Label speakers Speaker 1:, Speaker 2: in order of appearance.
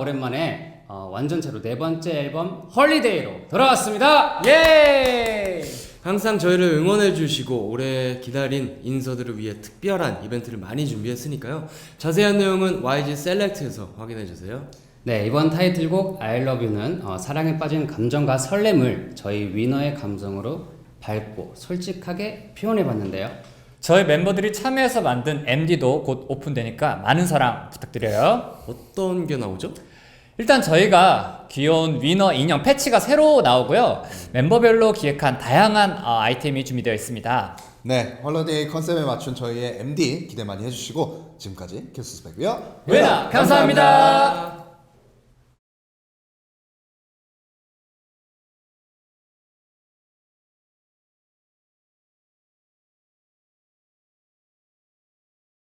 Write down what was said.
Speaker 1: 오랜만에 완전체로 네 번째 앨범 헐리데이로 돌아왔습니다. 예!
Speaker 2: 항상 저희를 응원해주시고 오래 기다린 인서들을 위해 특별한 이벤트를 많이 준비했으니까요. 자세한 내용은 YG 셀렉트에서 확인해주세요.
Speaker 1: 네, 이번 타이틀곡 I Love You는 사랑에 빠진 감정과 설렘을 저희 위너의 감성으로 밝고 솔직하게 표현해봤는데요.
Speaker 3: 저희 멤버들이 참여해서 만든 MD도 곧 오픈되니까 많은 사랑 부탁드려요.
Speaker 2: 어떤 게 나오죠?
Speaker 3: 일단 저희가 귀여운 위너 인형 패치가 새로 나오고요. 멤버별로 기획한 다양한 아이템이 준비되어 있습니다.
Speaker 4: 네, 헐리데이 컨셉에 맞춘 저희의 MD 기대 많이 해주시고 지금까지 큐스스펙이요.
Speaker 3: 위너 감사합니다.